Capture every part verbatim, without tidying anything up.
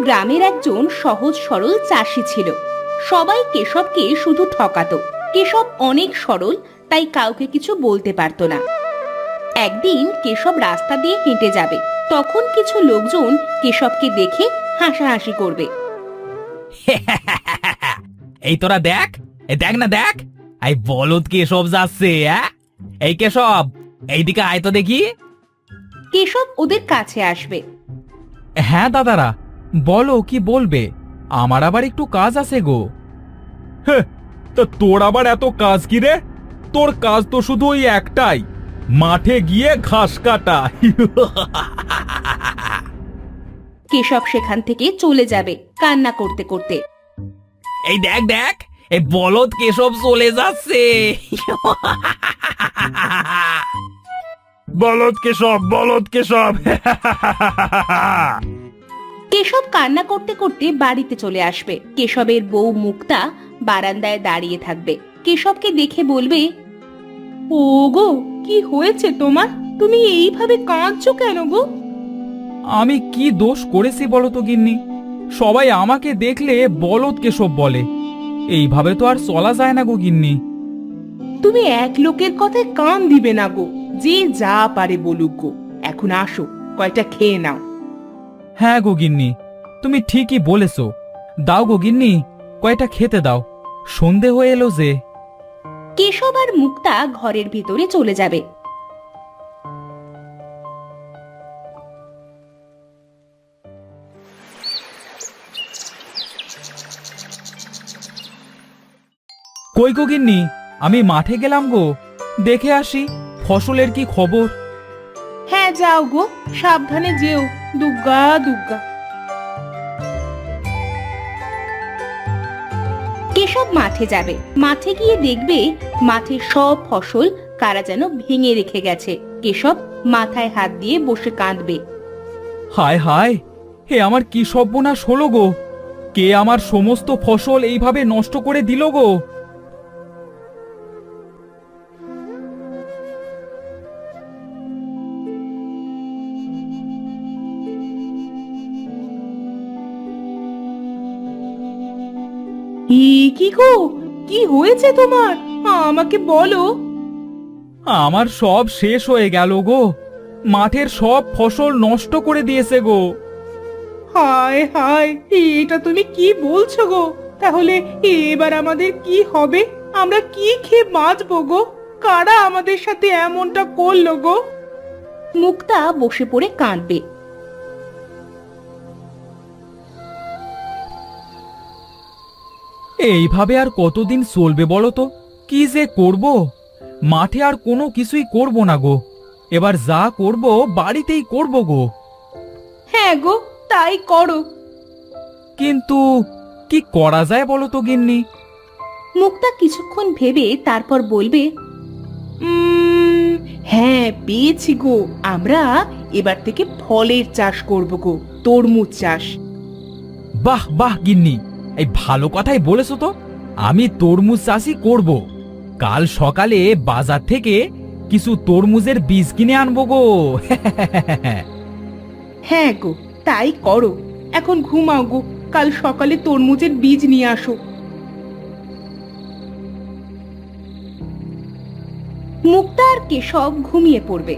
গ্রামের একজন সহজ সরল চাষি ছিল। সবাই কেশবকে শুধু ঠকাতো। কেশব অনেক সরল, তাই কাউকে কিছু বলতে পারতো না। একদিন কেশব রাস্তা দিয়ে হেঁটে যাবে, তখন কিছু লোকজন কেশবকে দেখে হাসাহাসি করবে। এই তোরা দেখ, এই দেখ না দেখ, এই বলদ কেশব যাচ্ছে। হ্যাঁ, এই কেশব, এইদিকে আয় তো দেখি। কেশব ওদের কাছে আসবে। হ্যাঁ দাদারা, বলো কি বলবে? আমার আবার একটু কাজ আছে গো। তা তোর আবার এত কাজ কি রে? তোর কাজ তো শুধু ওই একটাই, মাঠে গিয়ে ঘাস কাটা। কেশব সেখান থেকে চলে যাবে কান্না করতে করতে। এই দেখ দেখ, এই বলদ কেশব চলে যাচ্ছে। বলদ কেশব, বলদ কেশব। কেশব কান্না করতে করতে বাড়িতে চলে আসবে। কেশবের বউ মুক্তা বারান্দায় দাঁড়িয়ে থাকবে। কেশবকে দেখে বলবে, ও গো, কি হয়েছে তোমার? তুমি এইভাবে কাঁদছো কেন গো? আমি কি দোষ করেছি বলো তো গিন্নি? সবাই আমাকে দেখলে বলদ কেশব বলে। এইভাবে তো আর চলা যায় না গো গিন্নি। তুমি এক লোকের কথায় কান দিবে না গো, যে যা পারে বলুক গো। এখন আসো, কয়টা খেয়ে নাও। হ্যাঁ গো গিন্নি, তুমি ঠিকই বলেছো। দাও গো গিন্নি, কয়টা খেতে দাও, সন্ধে হয়ে এলো যে। কেশব আর মুক্তা ঘরের ভিতরে চলে যাবে। কই গো গিন্নি, আমি মাঠে গেলাম গো, দেখে আসি ফসলের কি খবর। হ্যাঁ যাও গো, সাবধানে যেও। দুগ্গা দুগ্গা। কেশব মাঠে যাবে। মাঠে গিয়ে দেখবে মাঠের সব ফসল কারা যেন ভেঙে রেখে গেছে। কেশব মাথায় হাত দিয়ে বসে কাঁদবে। হায় হায়, হে আমার কি সর্বনাশ হলো গো! কে আমার সমস্ত ফসল এইভাবে নষ্ট করে দিল গো! কি গো, কি হয়েছে তোমার? আমাকে বলো। আমার সব শেষ হয়ে গেল গো, মাঠের সব ফসল নষ্ট করে দিয়েছে গো। হায় হায়, এটা তুমি কি বলছো গো? তাহলে এবার আমাদের কি হবে? আমরা কি খেয়ে বাঁচবো গো? কারা আমাদের সাথে এমনটা করলো গো? মুক্তা বসে পড়ে কাঁদবে। এইভাবে আর কতদিন চলবে বলো তো? কি যে করব, মাঠে আর কোনো কিছুই করব না গো। এবার যা করব বাড়িতেই করব গো। হ্যাঁ গো, তাই করো। কিন্তু কি করা যায় বলো তো গিন্নি? মুক্তা কিছুক্ষণ ভেবে তারপর বলবে, উম, হ্যাঁ পেয়েছি গো। আমরা এবার থেকে ফলের চাষ করব গো, তরমুজ চাষ। বাহ বাহ গিন্নি, এই ভালো কথাই বলেছো তো। আমি তরমুজ চাষই করব। কাল সকালে বাজার থেকে কিছু তরমুজের বীজ কিনে আনবো গো। হ্যাঁ গো, তাই করো। এখন ঘুমাও গো, কাল সকালে তরমুজের বীজ নিয়ে আসো। মুক্তা আর কেশব ঘুমিয়ে পড়বে।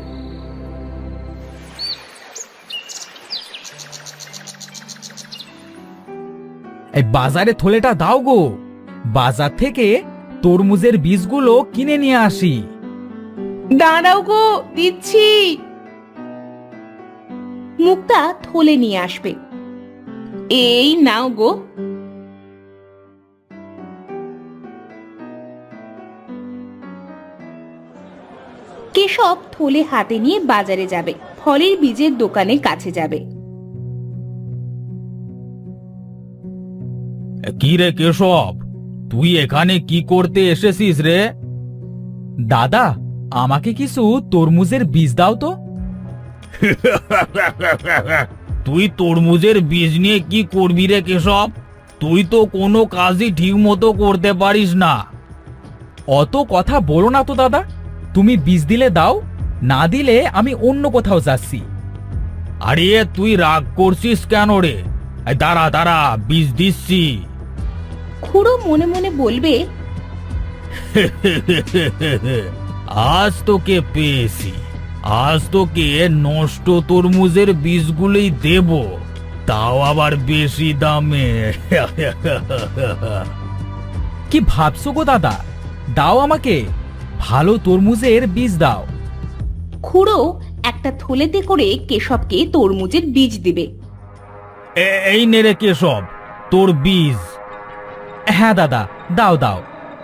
এই বাজারে থলেটা দাও গো, বাজার থেকে তরমুজের বীজগুলো কিনে নিয়ে আসি। দাঁড়াও গো, দিচ্ছি। মুক্তা থলে নিয়ে আসবে। এই নাও গো। কেশব থলে হাতে নিয়ে বাজারে যাবে, ফলের বীজের দোকানের কাছে যাবে। কি রে কেশব, তুই এখানে কি করতে এসেছিস রে? দাদা, আমাকে কিছু তরমুজের বীজ দাও তো। তুই তরমুজের বীজ নিয়ে কি করবি রে কেশব? তুই তো কোনো কাজই ঠিক মতো করতে পারিস না। অত কথা বলো না তো দাদা, তুমি বীজ দিলে দাও, না দিলে আমি অন্য কোথাও যাচ্ছি। আরে তুই রাগ করছিস কেন রে? এই দাঁড়া দাঁড়া, বীজ দিচ্ছি। খুড়ো মনে মনে বলবে, আজ তোকে পেয়েছি, আজ তোকে নষ্ট তরমুজের বীজগুলোই দেব, তাও আবার বেশি দামে। কি ভাবছো গো দাদা, দাও আমাকে ভালো তরমুজের বীজ দাও। খুড়ো একটা থলেতে করে কেশবকে তরমুজের বীজ দিবে। এ- এই নে রে কেশব, তোর বীজ। হ্যাঁ দাদা, দাও দাও।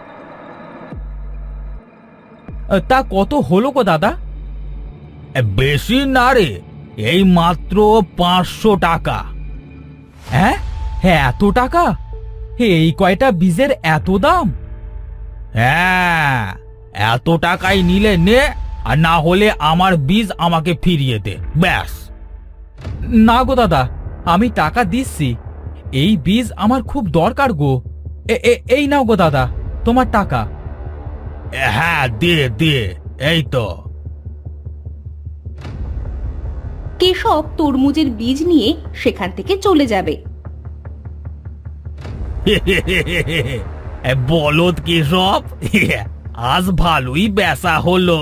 তা কত হলো গো দাদা? বেশি না রে, এই মাত্র পাঁচশো টাকা। হ্যাঁ হ্যাঁ, এত টাকা? এই কয়টা বীজের এত দাম? হ্যাঁ, এত টাকাই নিলে নে, আর না হলে আমার বীজ আমাকে ফিরিয়ে দে, ব্যাস। না গো দাদা, আমি টাকা দিচ্ছি, এই বীজ আমার খুব দরকার গো। এ- এ- এই নাও গো দাদা, তোমার টাকা। হ্যাঁ দে দে, এই তো। কেশব তরমুজের বীজ নিয়ে সেখান থেকে চলে যাবে। বলদ কেশব, আজ ভালোই বেচা হলো।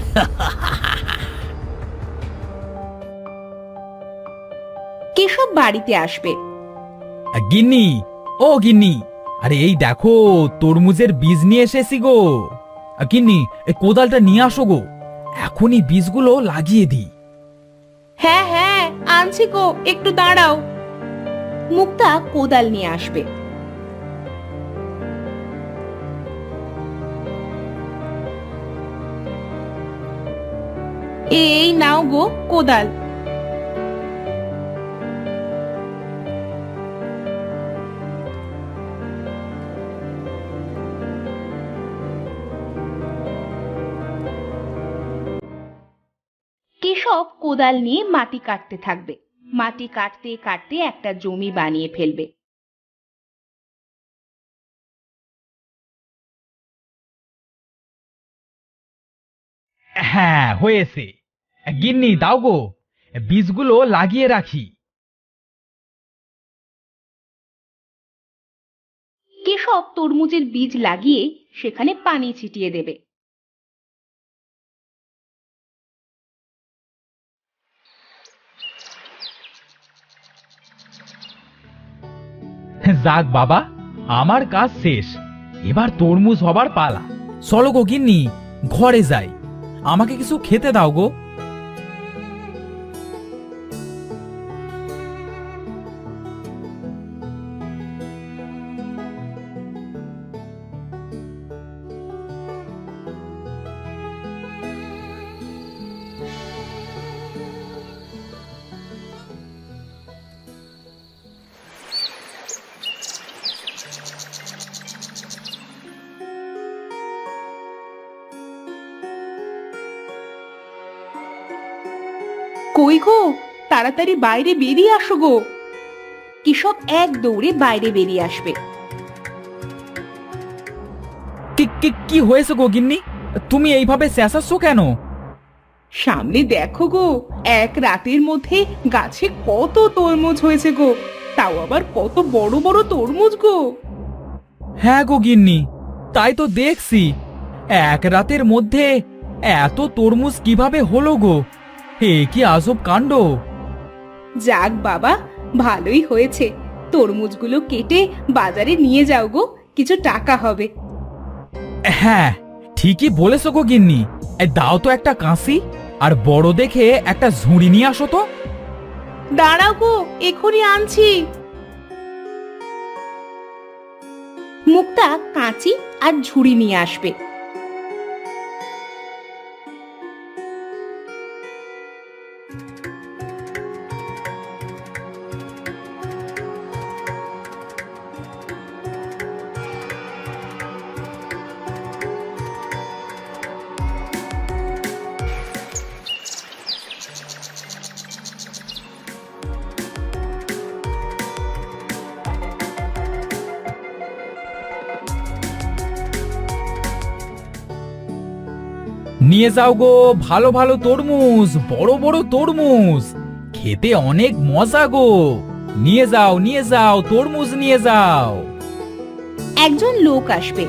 কেশব বাড়িতে আসবে। গিন্নি, ও গিন্নি, আরে এই দেখো তরমুজের বীজ নিয়ে এসেছি গো। গিন্নি, এই কোদালটা নিয়ে আসো গো, এখনই বীজগুলো লাগিয়ে দিই। হ্যাঁ হ্যাঁ, আনছি গো, একটু দাঁড়াও। মুক্তা কোদাল নিয়ে আসবে। এই নাও গো কোদাল। কেশব কোদাল নিয়ে মাটি কাটতে থাকবে। মাটি কাটতে কাটতে একটা জমি বানিয়ে ফেলবে। হ্যাঁ হয়েছে, গিন্নি দাও গো, বীজগুলো লাগিয়ে রাখি। কেশব তরমুজের বীজ লাগিয়ে সেখানে পানি ছিটিয়ে দেবে। যাক বাবা, আমার কাজ শেষ, এবার তরমুজ হবার পালা। চলো গো গিন্নি, ঘরে যাই, আমাকে কিছু খেতে দাও গো। কই গো, তাড়াতাড়ি বাইরে বেরিয়ে আসো গো। কেশব এক দৌড়ে বাইরে বেরিয়ে আসবে। কি কি কি হয়েছে গো গিন্নি, তুমি এইভাবে চেঁচাচ্ছ কেন? সামনে দেখো গো, এক রাতের মধ্যে গাছে কত তরমুজ হয়েছে গো, তাও আবার কত বড় বড় তরমুজ গো। হ্যাঁ গো গিন্নি, তাই তো দেখছি, এক রাতের মধ্যে এত তরমুজ কিভাবে হলো গো? এ কি আজব কাণ্ড। যাক বাবা, ভালোই হয়েছে, তরমুজগুলো কেটে বাজারে নিয়ে যাও গো, কিছু টাকা হবে। হ্যাঁ ঠিকই বলেছো গো গিন্নি, এই দাও তো একটা কাঁসি, আর বড় দেখে একটা ঝুড়ি নিয়ে আসো তো। দাঁড়াও গো, এখনই আনছি। মুক্তা কাঁচি আর ঝুড়ি নিয়ে আসবে। নিয়ে যাও গো ভালো ভালো তরমুজ, বড় বড় তরমুজ, খেতে অনেক মজা গো। নিয়ে যাও নিয়ে যাও তরমুজ নিয়ে যাও। একজন লোক আসবে।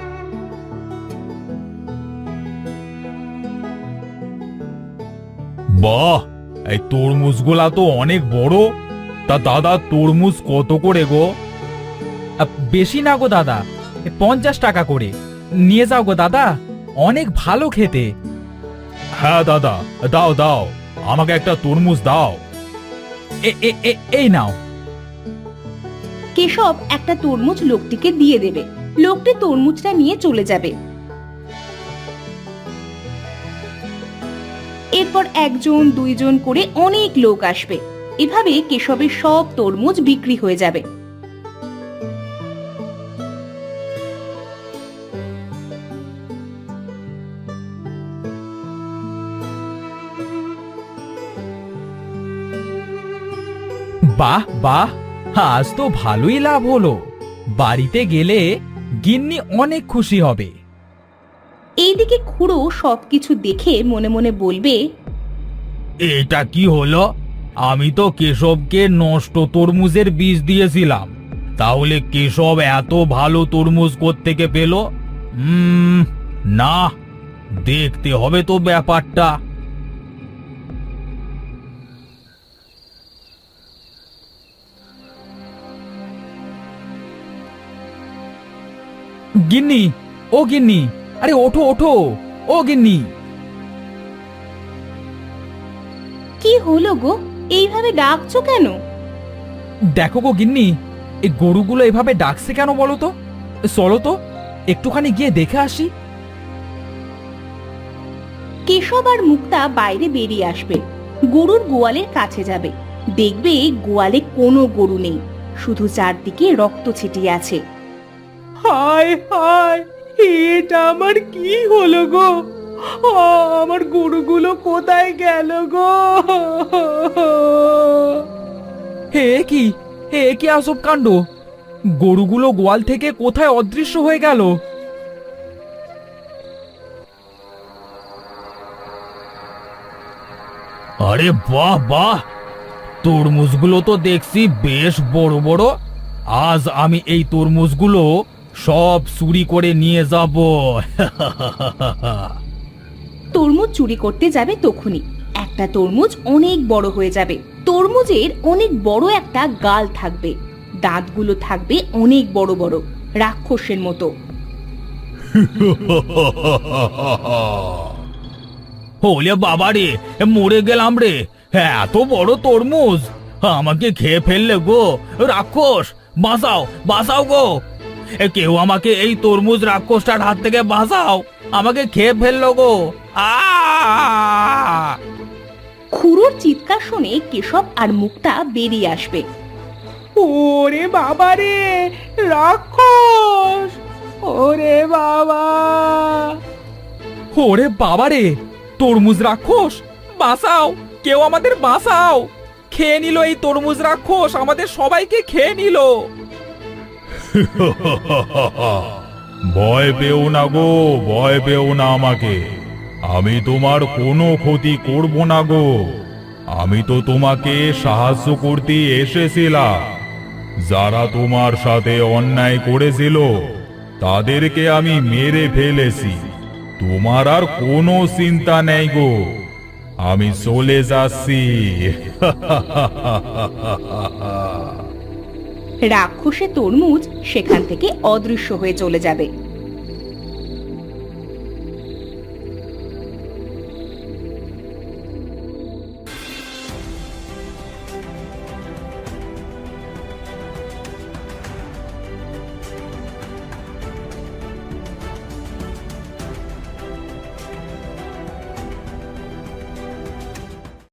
বাহ, এই তরমুজগুলা তো অনেক বড়। তা দাদা তরমুজ কত করে গো? বেশি না গো দাদা, পঞ্চাশ টাকা করে। নিয়ে যাও গো দাদা, অনেক ভালো খেতে। হ্যাঁ দাদা, দাও দাও, আমাকে একটা তরমুজ দাও। এই নাও। কেশব একটা তরমুজ লোকটিকে দিয়ে দেবে। লোকটি তরমুজটা নিয়ে চলে যাবে। এরপর একজন দুইজন করে অনেক লোক আসবে। এভাবে কেশবের সব তরমুজ বিক্রি হয়ে যাবে। বাহ বাহ, আজ তো ভালোই লাভ হলো। বাড়িতে গেলে গিন্নি অনেক খুশি হবে। এইদিকে খুড়ো সবকিছু দেখে মনে মনে বলবে, এটা কি হলো? আমি তো কেশবকে নষ্ট তরমুজের বীজ দিয়েছিলাম, তাহলে কেশব এত ভালো তরমুজ কোত্থেকে পেল? উম না, দেখতে হবে তো ব্যাপারটা। গিন্নি, ও গিন্নি, আরে ওঠো ওঠো, ও গিন্নি। কি হলো গো, এইভাবে ডাকছো কেন? দেখো গো গিন্নি, এই গরুগুলো এভাবে ডাকছে কেন বলো তো? চলো তো একটুখানি গিয়ে দেখে আসি। কেশব আর মুক্তা বাইরে বেরিয়ে আসবে। গরুর গোয়ালের কাছে যাবে। দেখবে গোয়ালে কোনো গরু নেই, শুধু চারদিকে রক্ত ছিটিয়ে আছে। হায় হায়, এটা আমার কি হলো গো? আমার গরুগুলো কোথায় গেল গো? হে কি, হে কি আজব কাণ্ড! গরুগুলো গোয়াল থেকে কোথায় অদৃশ্য হয়ে গেল? আরে বাহ বাহ, তরমুজগুলো তো দেখছি বেশ বড় বড়। আজ আমি এই তরমুজগুলো সব চুরি করে নিয়ে যাব। তরমুজ চুরি করতে যাবে তখনই একটা তরমুজ অনেক বড় হয়ে যাবে। তরমুজের অনেক বড় একটা গাল থাকবে, দাঁতগুলো থাকবে অনেক বড় বড়, রাক্ষসের মতো। ওলে বাবা রে, মরে গেলাম রে! এত বড় তরমুজ আমাকে খেয়ে ফেললে গো! রাক্ষস, বাঁচাও বাঁচাও গো! কেউ আমাকে এই তরমুজ রাক্ষসটার হাত থেকে বাঁচাও, আমাকে খেয়ে ফেললো গো! আ খুড়োর চিৎকার শুনে কেশব আর মুক্তা বেরিয়ে আসবে। ওরে বাবা রে, রাক্ষস! ওরে বাবা! ওরে বাবা রে, তরমুজ রাক্ষস! বাঁচাও, কেউ আমাদের বাঁচাও! খেয়ে নিল এই তরমুজ রাক্ষস, আমাদের সবাইকে খেয়ে নিল। ভয় পেও না গো, ভয় পেও না আমাকে। আমি তোমার কোনো ক্ষতি করব না গো। আমি তো তোমাকে সাহায্য করতে এসেছিলাম। যারা তোমার সাথে অন্যায় করেছিল তাদেরকে আমি মেরে ফেলেছি। তোমার আর কোনো চিন্তা নেই গো, আমি চলে যাচ্ছি। রাক্ষসে তরমুজ সেখান থেকে অদৃশ্য হয়ে চলে যাবে।